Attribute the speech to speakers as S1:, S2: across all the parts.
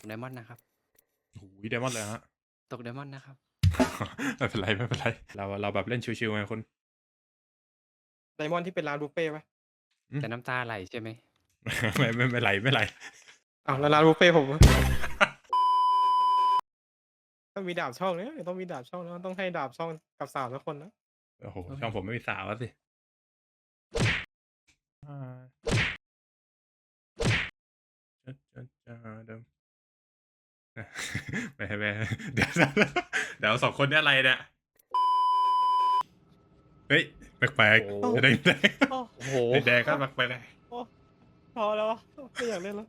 S1: ไดมอนด์นะครับ
S2: โอ้ยไดมอนด์เลยฮะ
S1: ตกไดมอนด์นะครับ
S2: ไม่เป็นไรไม่เป็นไรเราแบบเล่นชิวๆไงคุณ
S3: ไดมอนด์ที่เป็นร้านบุฟเฟ่ต์ปะ
S1: จะน้ำตาไหลใช่ไหม
S2: ไม่ไหลไม่ไหล
S3: อ้าวแล้วร้านบุฟเฟ่ต์ผมอะต้องมีดาบช่องเนี่ยต้องมีดาบช่องแล้วต้องให้ดาบช่องกับสาวสักคนนะ
S2: โอ้โหช่องผมไม่มีสาวอะสิอ่าเดิมไม่เดี๋ยวสองคนนี้อะไรเนี่ยเฮ้ยแปลก
S1: โอ้
S2: ๆแดง
S3: โอ้
S1: โอ้โห
S2: แดงก็แปลก
S3: พอแล้วไม่อยากเล่นแล้ว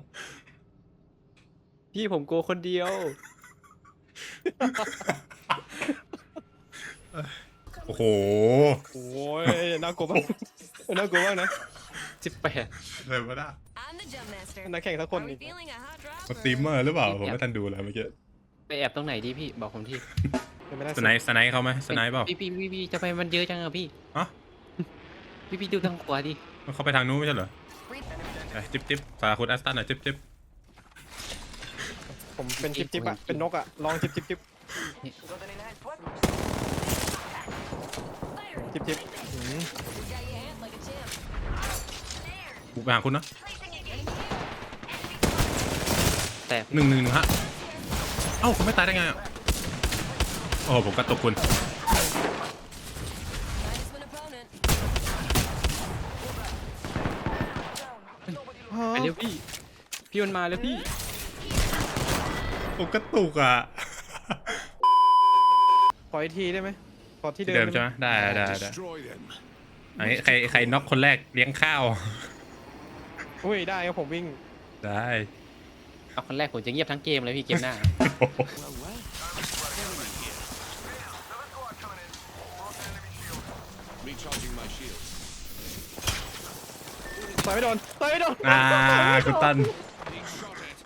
S1: พี่ผมโกลัวคนเดียว
S2: โอ้โห
S3: โอ้ยน่ากลัวมากน่ากลัวมากนะ
S1: 18
S2: เลยว่าได้
S4: I'm the jump master.
S3: นักแข่งสักคน
S4: Are
S3: อี
S4: we
S3: ก
S4: feeling a hot drop?
S2: สตรีมเมอร์หรือเปล่า
S1: พี่
S2: ผมไม่ทันดูเลยเมื่อกี้
S1: ไปแอบตรงไหนดีพี่บอกผมที
S3: เป็นไม่ได้
S2: สไนป์เขาไหมสไนป์เปล่า
S1: พี่จะไปมันเยอะจังอะพี่
S2: ฮะ
S1: พี่ดูทางขวาดิ
S2: เขาไปทางนู้นไม่ใช่เหรอจิ๊บสาคุณแอสตันหน่อยจิ๊บ
S3: ผมเป็นจิ๊บอะเป็นนกอะลองจิ๊บจิ๊บอืม
S4: Got your hand like a champ.
S2: บุกไปหาคุณนะ
S1: แต่
S2: หนึ่งฮะเอ้าคุณไม่ตายได้ไงอะโอ้โหผมกระตุกคุณ
S4: Minus one opponent.
S1: ไปเร็วพี่มันมาแล้วพี่
S2: ผมกระตุกอ่ะ
S3: ขออีกทีได้ไหมขอที่
S2: ที่
S3: เดิ
S2: เดิ
S3: ม
S2: มใช่ไหมได้
S5: Destroy them.
S2: อันนี้ใครน็อกคนแรกเลี้ยงข้าว
S3: อุ้ยได้ครับผมวิ่ง
S2: ได้
S1: เอาคนแรกผมจะเงียบทั้งเกมเลยพี่เกมหน้า
S5: Recharging my shields.
S3: ต่อยไม่โดน
S2: คุณตัน
S5: Being shot at.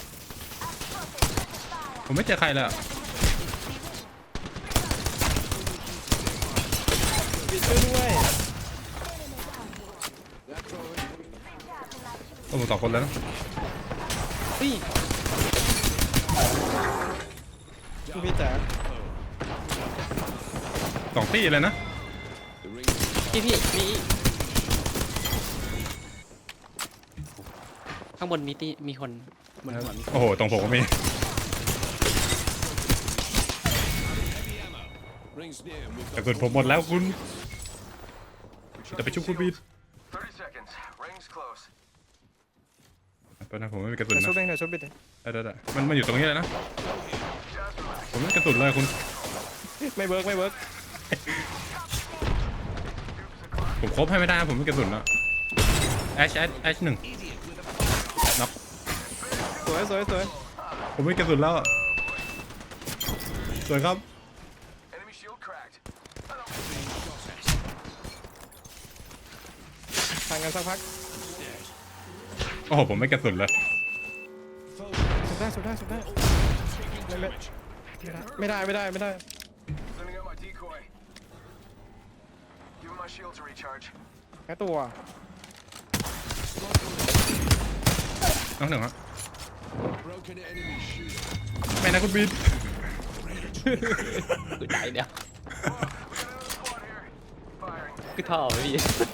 S2: ผมไม่เจอใครเลยอะ
S3: ปิดช่วยด้วย
S2: โอ้ผมสองคนแล้วนะ
S1: พี่
S3: พี่จ๋า
S2: สองตี้เลยนะ
S5: The ring.
S1: พี่มีข้างบนมีคนบนหัวมี
S2: โอ้โหตรงผมก็มี
S5: Heavy ammo. Rings near. And we've
S2: แต่
S5: got
S2: ส่วนผมหมดแล้วคุณจะไปชุบคุณบีด
S6: 30 seconds. Rings close.
S2: ตอนนั้นผมไม่มีกระสุน
S3: เดี๋ยว
S2: นะ
S3: ชุบเองเดี๋ยวชุบบิด
S2: ได้มันอยู่ตรงนี้เลยนะ ผมไม่มีกระสุนเลยคุณ
S3: ไม่เวิร์ก
S2: ผมครบให้ไม่ได้นะผมไม่มีกระสุนแล้วแอชหนึ่งน็อก
S3: สวย
S2: ผมไม่มีกระสุนแล้วสวยครับ
S6: Enemy shield cracked.
S3: ทางกันสักพัก
S2: โอ้โหผมไม่กระสุนเลย
S3: สุดได้ไม่ได้
S6: Sending out my decoy. Giving my shields a recharge.
S3: แค่ตัว
S2: น้องหนึ่งครับ
S5: broken enemy shield.
S2: ไม่นะคุณบีด
S1: คือใจเดียว
S6: We got another squad here. Firing.
S1: คือท่อพี่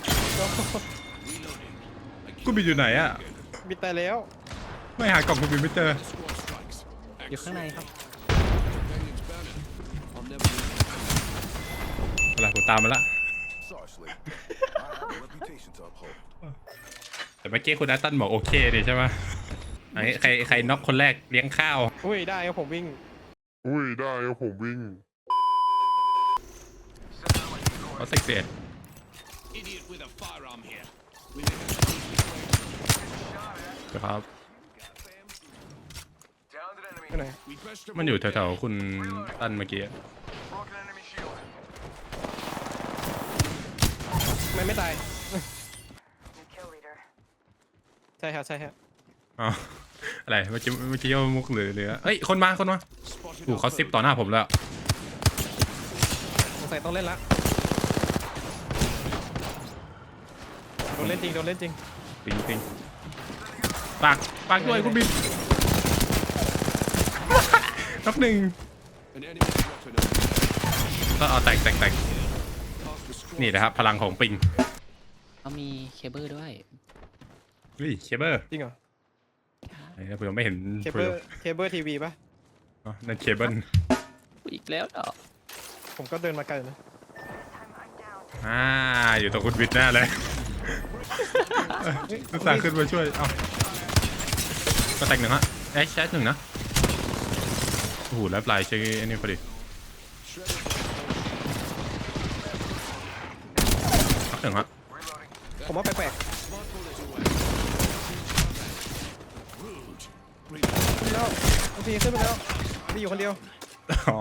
S2: คุณบีดอยู่ไหนอะ
S3: บิดแต่แล้ว
S2: ไม่หากล่องคุณบีดไม่เจอ
S5: Squad strikes.
S1: อยู่ข้างในครับ
S5: Companion's banner. I'll never leave.
S2: อะไรผมตามมาละ
S7: Sorry, Slade. I have a reputation to uphold.
S2: แต่เมื่อกี้คุณแอตตันบอกโอเคดิใช่ไหมอันนี้ใครน็อกคนแรกเลี้ยงข้าว
S3: อุ้ยได้ครับผมวิ่ง
S2: เขาเซ็กเซีย
S5: Idiot with a firearm here. We
S2: ครับ
S6: Downed an enemy.
S3: ไปไหน
S5: we best
S2: มันอยู่แถวๆคุณตันเมื่อกี้
S6: Broken enemy shield.
S3: ไม่ตาย
S4: New kill leader.
S3: ใช่ฮะ
S2: อ๋ออะไรเมื่อกี้ว่ามุกหรือเอ้ยคนมา
S5: spotted.
S2: ถูกเขาซิปต่อหน้าผมแล้ว
S3: สงสัยต้องเล่นละโดนเล่นจริง
S2: ปิงปากด้วยคุณบินน็อกหนึ่ง
S5: An enemy weapon over.
S2: ก็เอาแตก
S5: Half the squad.
S2: นี่นะครับพลังของปิง
S1: เขามีเคเบิลด้วย
S2: เฮ้ยเคเบิล
S3: จริงเหรอ
S2: ไอ้เนี่ยผมยังไม่เห็น
S3: เคเบิลทีวีปะ
S2: อ๋อนั่นเคเบิล
S1: อีกแล้วเหรอ
S3: ผมก็เดินมาไกลนะ
S2: อยู่ตรงคุณวิทย์แน่เลยอุตส่าห์ขึ้นมาช่วยเอ้าก็แตกหนึ่งฮะแชทหนึ่งนะโอ้โหแล้วปลายใช้อันนี้พอดีน็อกหนึ่งฮะ
S3: ผมว่าแปลก
S5: Smart bullet away.
S3: ๆขึ้นแล้วบางทีขึ้นไปแล้วมีอยู่คนเดียว
S2: อ๋อ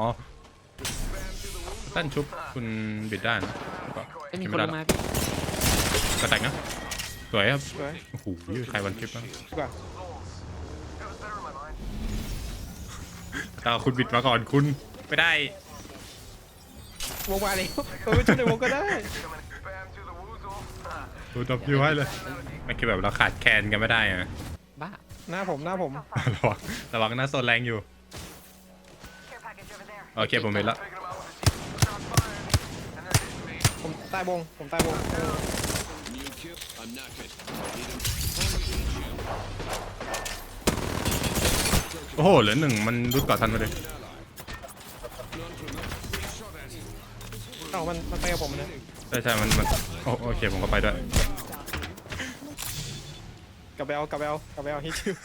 S2: ตั้นชุบคุณบิดได้นะ
S1: ไม่มีคนลงมาพี่
S2: ก็แตกนะสวยครับ
S3: สวย
S2: โอ้โหใครวันคลิปบ้าง
S3: ดีกว่า
S2: แต่เอาคุณบิดมาก่อนคุณไม่ได้
S3: วงมาเลยเราไปช่วยในวงก็ได้
S2: ดูตบยูให้เลยมันคือแบบเราขาดแคลนกันไม่ได้อะ
S1: บ้า
S3: หน้าผม
S2: ระวังหน้าโซนแรงอยู่
S4: Care package over there.
S2: โอเคผมเห็นแล้ว
S3: ผมตายวงผมตายวง
S5: New kill. I'm knackered. Need him.
S2: โอ้โหเหลือหนึ่งมันรุดก่อทันมาเลย
S3: เอ้ามันไปกับผมนะ
S2: ใช่มันโอเคผมก็ไปด้วย
S3: กลับไปเอาฮิชิว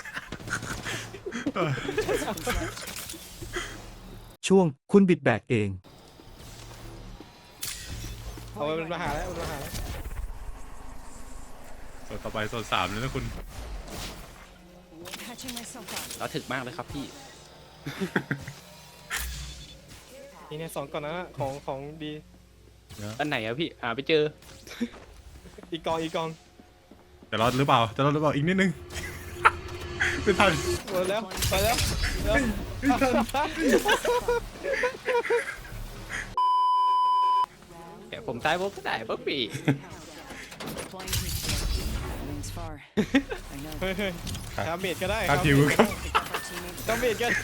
S8: ช่วงคุณบิดแบกเอง
S3: เอาไปเป็นมาหาแล้ว
S2: โซนต่อไปโซน3เลยนะคุณ
S4: Patching myself up.
S1: เราถึกมากเลยครับพี่
S3: นี่เนี่ย2ก่อนนะของดี
S1: อันไหนอะพี่ไปเจอ
S3: อีกกอง
S2: จะรอดหรือเปล่าอีกนิดนึง ไม่ทัน
S3: หมดแล้วไปแล้ว
S1: แกผมตายปุ๊บก็ได้ปุ๊บพี่
S4: Deploying heat shield. Wings far. I know.
S3: เฮ้ยคาเมดก็ได้
S2: ครับผิวครับ
S4: Pick up our teammates.
S3: คาเมดก็ได้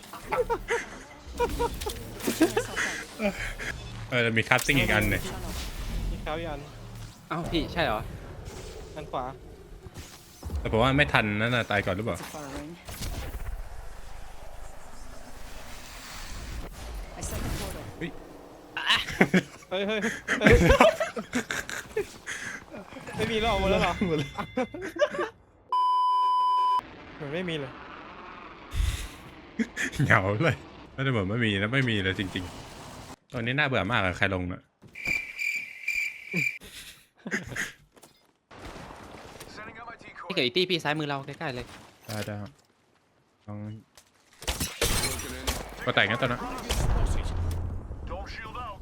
S4: Patching myself up.
S2: มีคัตติ้งอีกอันเนี่ย
S4: Tunnel.
S3: อีกคราวอีกอัน
S1: เอ้าพี่ใช่เหรอ
S3: อันขวา
S2: แต่ผมว่าไม่ทันนั่นน่ะตายก่อนหรือเปล่า
S4: It's a far ring. I set the portal.
S3: เฮ้ยไม่มีหรอกหมดแล้วเหรอ
S2: หมดแล้ว
S3: เหมือนไม่มีเลย
S2: เหงาเลยไม่ได้เหมือนไม่มีนะไม่มีเลยจริงๆตอนนี้น่าเบื่อมากอะใครลงน่ะ
S1: พี่เกิดอีตี้พี่ซ้ายมือเราใกล้ๆเลย
S2: ได้ครับลอง
S5: Broken enemy.
S2: ก็แต่งกันตอนนั้น
S6: Don't shield out.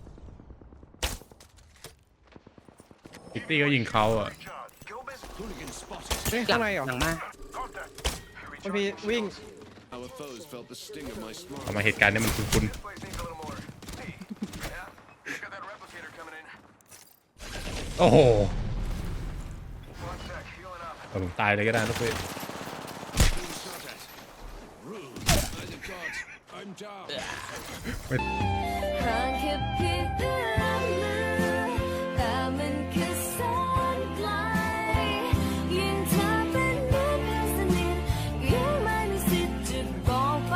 S2: พิตตี้ก็ยิงเขาอ่ะ
S6: Kill best.
S5: Hooligan spotted.
S3: เฮ้ยข้างในเหรอ
S1: หลังมา
S6: Contact.
S3: มันมีวิ่ง
S5: Our foes felt the sting of my smart.
S2: ทำไมเหตุการณ์นี้มันคุ้น
S6: This place needs a little more. Hey, yeah, got that replicator coming in.
S2: ๆโอ้โห
S6: One sec, healing up.
S2: แต่ผมตายเลยก็ได้ลูกพี่
S5: Being shot at. Rude. By the gods, I'm down.
S4: ห่างแค่เพียงเอื้อมมือแต่มันคือแสนไกลยิ่งเธอเป็นเหมือนเพื่อนสนิทยิ่งไม่มีสิทธิ์จะบอกไป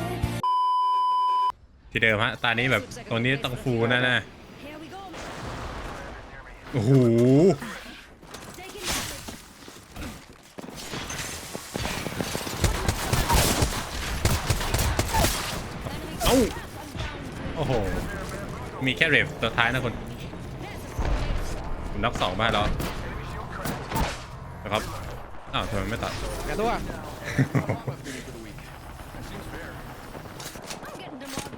S2: ที่เดิมฮะตอนนี้แบบตรงนี้ต้องฟูแน่
S4: Here we go.
S2: ๆโอ้โห
S4: Taking damage.
S2: เอ้าโอ้โหมีแค่เรฟตัวท้ายนะคุณผมน็อก2บ้านแล้วนะครับอ้าวทำไมไม่ตัด
S3: แกตัว
S4: I'm getting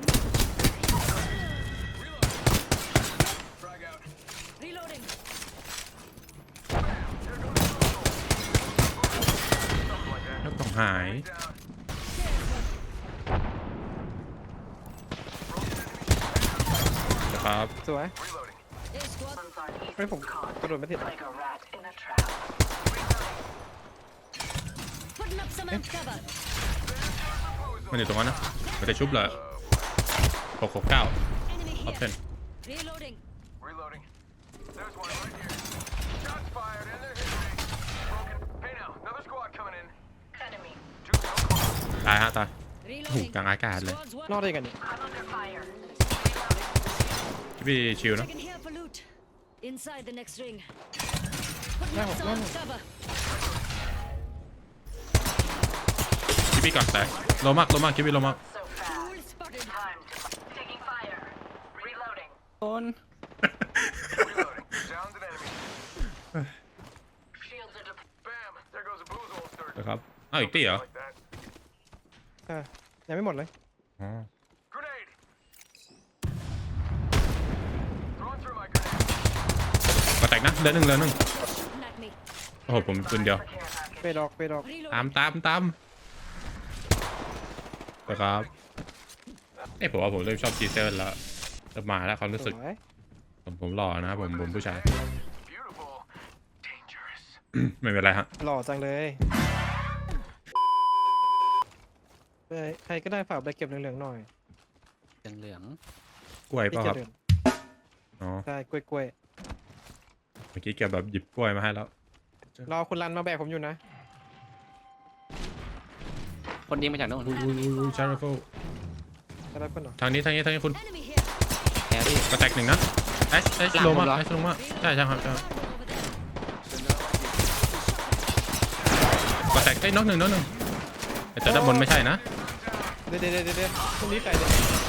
S4: demobbed.
S6: Frag out.
S4: Reloading.
S2: แล้วต้องหายนะครับ
S3: สวย
S4: Hey, squad.
S3: เฮ้ยผมกระโดดไม่ติด
S4: Putting up some amp cover.
S2: มันอยู่ตรงนั้นนะ
S4: Gas
S2: มันจะชุบเลย669
S4: Enemy
S2: ออป
S4: here.
S2: ชั่น
S4: Reloading.
S6: Reloading. There's one right here. Shots fired and they're hitting me. Broken. Hey now, another squad coming in. Enemy. Two so close.
S2: ตายฮะตายโอ้โห
S4: Reloading.
S2: กลางอากาศเลย
S4: Squads
S3: รอ
S4: one.
S3: ดได้กันนี่
S6: I'm under fire.
S2: พี่ชิวนะ
S4: Taking here for loot. Inside the next ring.
S3: หน้า
S4: Putting
S3: ผม
S4: up
S3: หน้า
S4: some
S3: ผม
S4: cover.
S2: พี่ก่อนแตกโลมากคิดพี่โลมาก
S4: Tool spotted.
S6: Taking fire. Reloading.
S1: โดน
S6: Reloading. Downed an enemy. Shields are deployed. Bam. There goes a booze holster.
S2: นะครับอ้าวอีกตีเหรอ
S6: Like that.
S3: ยังไม่หมดเลย
S2: อ๋อ
S6: Grenade. Throwing through my grenade.
S2: ก็แตกนะเหลือหนึ่ง
S4: Shooting at me.
S2: โอ้โหผมปืนเดียว
S3: เปดออก
S2: ตาม
S4: Reloading.
S2: นะครับผมว่าผมเริ่มชอบจีเซอร์แล้วเริ่มมาแล้วความรู้
S3: ส
S2: สึก
S3: วย
S2: ผมหล่อนะผมผู้ชาย
S6: Beautiful. Dangerous.
S2: ไม่เป็นไรฮะ
S3: หล่อจังเลยใครก็ได้ฝากไปเก็บเหลืองๆหน่อย
S1: เหลือง
S2: กล้วย
S3: พี่
S2: เปล่ะ
S3: จะ
S2: ครับ
S3: เดิน
S2: อ๋อ
S3: ได้กล้วย
S2: เมื่อกี้เก็บแบบหยิบกล้วยมาให้แล้ว
S3: ๆรอคุณรันมาแบกผมอยู่นะ
S1: ๆคนยิงมาจากโน่น
S2: อุ้ยชาร์ลโฟ
S3: จะได้เพื่อนเหรอ
S2: ทางนี้คุณ
S4: Enemy here.
S1: แพ้พี่
S2: ก็แตกหนึ่งนะเอชลงมา
S1: หลังผมเหรอ
S2: เอชลงมาใช่ครับ
S4: Over there.
S2: ก็แตกน้องหนึ่งแต่ด้านบนไม่ใช่นะ
S3: เดี๋ยวตรงนี้ใส่เลย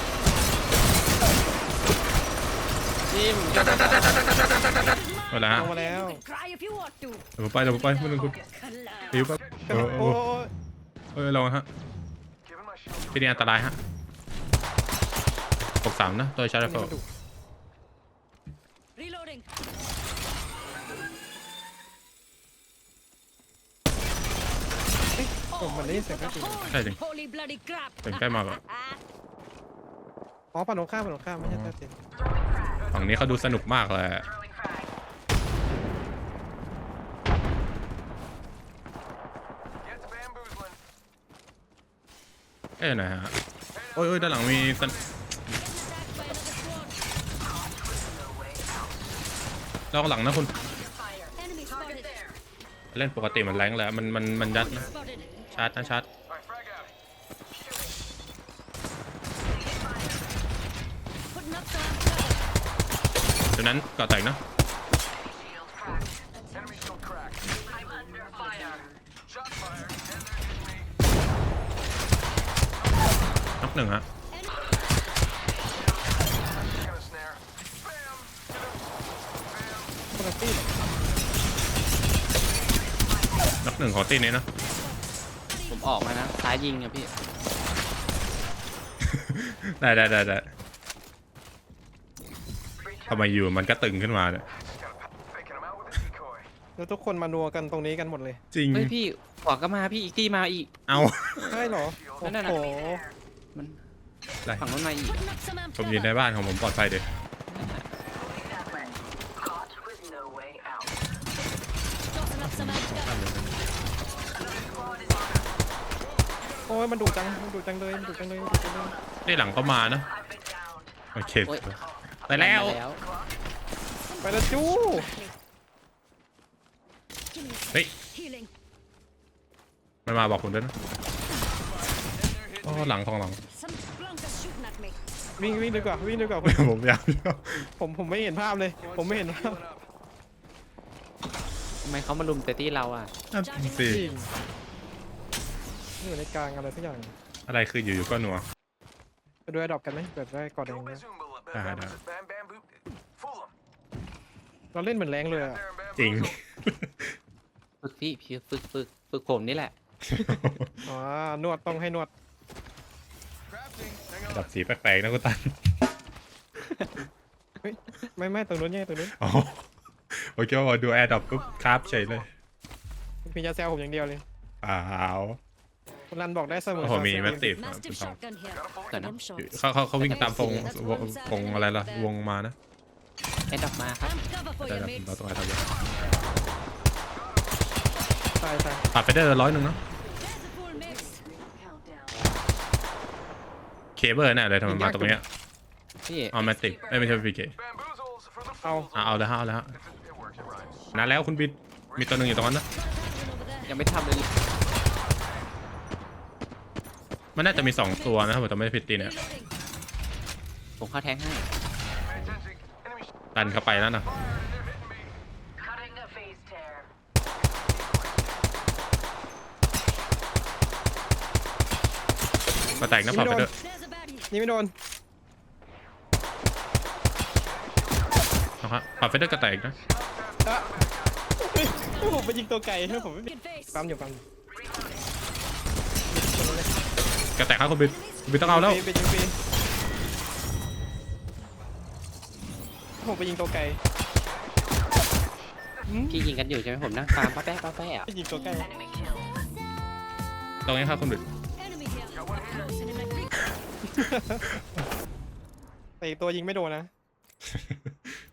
S1: จิ้ม
S2: เวลา
S3: ลงมาแล้ว
S4: Cry if you want to.
S2: เดี๋ยวผมไปไม่ต้องคุณ
S4: Collide.
S2: หิวปั๊บ
S3: โอ้
S2: ลองฮะ
S6: Giving my shield.
S2: ที่นี่อันตรายฮะ63นะตัวชาร์ลโฟ
S4: Reloading.
S3: ผมมันได้ยินเสียง
S4: The
S3: แค่จริง
S4: whole
S2: ใช่จริง
S4: holy bloody crap.
S2: ถึงใกล้มากอะ
S3: อ๋อปั่นตรงข้ามไม่ใช่แค่จริง
S2: ฝั่งนี้เขาดูสนุกมากเลย
S6: Throwing frag. Gets bamboozling.
S2: หน่อยฮะโอ้ยด้านหลังมี
S4: Getting attacked by another squad.
S2: เราหลังนะคุณ
S4: Enemy spotted.
S2: เล่นปกติมันแรงแล้วมันยัดนะ
S4: Spotted.
S2: ชาร์จ
S6: All right, frag out.
S4: Putting up some cover.
S2: ดังนั้นก็แตกนะ
S6: Enemy shield cracked. I'm under fire. Shot fired and they're hitting me.
S2: น็อกหนึ่งฮะ
S6: Gonna snare. Bam. Bam.
S3: คนละตี้เหรอ
S2: น็อกหนึ่งของตีนี้นะ
S1: ผมออกมานะซ้ายยิงอะพี่
S2: ได้ทำไมอยู่มันก็ตึงขึ้นมาเนี่ย
S6: Faking him out with a decoy.
S3: แล้วทุกคนมานัวกันตรงนี้กันหมดเลย
S2: จริง
S1: เฮ้ยพี่ขวาก็มาพี่อีกที่มาอีก
S2: เอา
S3: ใช่เหรอ โอ้
S1: นั่น
S3: โห
S1: น่ะ มัน
S2: ได้
S1: ฝั่งนู้นมาอีก
S4: Putting up some amp
S2: ผมอยู่ใน
S4: cover.
S2: บ้านของผมปลอดภัยเด็
S4: Tossing up some amp cover.
S3: โอ้ยมันดุจังเลย
S2: นี่หลังก็มานะโอเค
S1: โอ้ย
S2: ไปแล้ว
S3: ไปแล้วจู้
S4: Give me a sec.
S2: เฮ้ย
S4: Healing.
S2: มันมาบอกคุณด้วยนะอ๋อหลังของหลัง
S4: Some blonkers shooting at me.
S3: วิ่งดีกว่า
S2: ผมอยาก
S3: ผมไม่เห็นภาพเลย ผมไม่เห็นภาพ
S1: ทำไมเขามาลุมแต่ที่เราอ่ะ
S2: สิ
S3: จริงอยู่ในกลางอะไรสักอย่าง
S2: อะไรคืออยู่ๆก็หนัว
S3: ไปดูไอ้ดอกกันไหมเปิดได้กอดแดง
S6: Go
S3: เนี่ย
S6: Bazumba.
S2: Ah,
S6: Bam,
S2: no.
S6: bam, bamboo. Fool him.
S3: เราเล่นเหมือนแรงเลยอะ
S6: There and
S2: จริง
S6: bamboozle.
S1: ฝึกพี่ฝึกผมนี่แหละ
S3: อ๋อนวดต้องให้นวด
S6: Crafting. Hang
S2: ระดั
S6: on.
S2: บสีแปลกๆนะคุณตัน
S3: ไม่ตรงนู้นตรงนู้น
S2: อ๋อโอเคว่าดูแอร์ดรอปปุ๊บคราฟเฉยเลย
S3: มียาแซวผมอย่างเดียวเลย
S2: เปล่า
S3: คุณรันบอกได้เสมอ
S2: โอ้โหมีแมสติฟ
S4: Mastiff shotgun here.
S1: Got
S4: Them shots.
S2: เขาวิ่งตามวงอะไรล่ะวงมานะ
S1: แอดดอกมาครับ
S4: Amp cover for
S2: แต่
S4: you, mates.
S2: เราต้องอะไรทำ
S3: ตาย
S2: ปรับไปได้100เนาะ
S4: There's a full mix.
S2: เคเบิลแน่เลยทำไมมาตรงเนี้ย
S1: พี่
S2: ออแมติกไม่ใช่พีเค
S6: Bamboozles for the
S3: เอา
S2: เอาแล้วฮะเอาแล้วฮะ
S6: It works, it rhymes.
S2: นานแล้วคุณบิดมีตัวหนึ่งอยู่ตรงนั้นนะ
S1: ยังไม่ทำเลย
S2: มันน่าจะมี2ตัวนะครับผมจำไม่ได้ผิดตีเนี่ย
S1: ผมเข้าแทงให้
S6: Pay attention. Enemy
S2: ดันเข้าไปแล้วนะ
S6: fired and they're hitting me.
S4: Cutting a phase tear.
S2: มาแตกนะพอไปด้วย
S4: There's a baddie.
S3: นี่ไม่โดน
S2: นะครับพอไปด้วยก็แตกนะ
S3: อ่ะผมไปยิงตัวไก่ให้ผมไม่
S4: Good face.
S3: ปั๊มอยู่ปั๊มอยู่
S2: ก็แตกครับคุณบิดคุณบิดต้องเอาแล้ว
S3: ไปยิงฟรีผมไปยิงตัวไก่
S1: พี่ยิงกันอยู่ใช่ไหมผมนั่งฟาร์มป้าแป๊ะป้าแป๊ะอ่ะ
S3: ไปยิงตัวไก่
S4: Enemy kill.
S2: ตรงนี้ครับคุณบิด
S4: Enemy kill. Close in my creep.
S3: แต่อีกตัวยิงไม่โดนนะ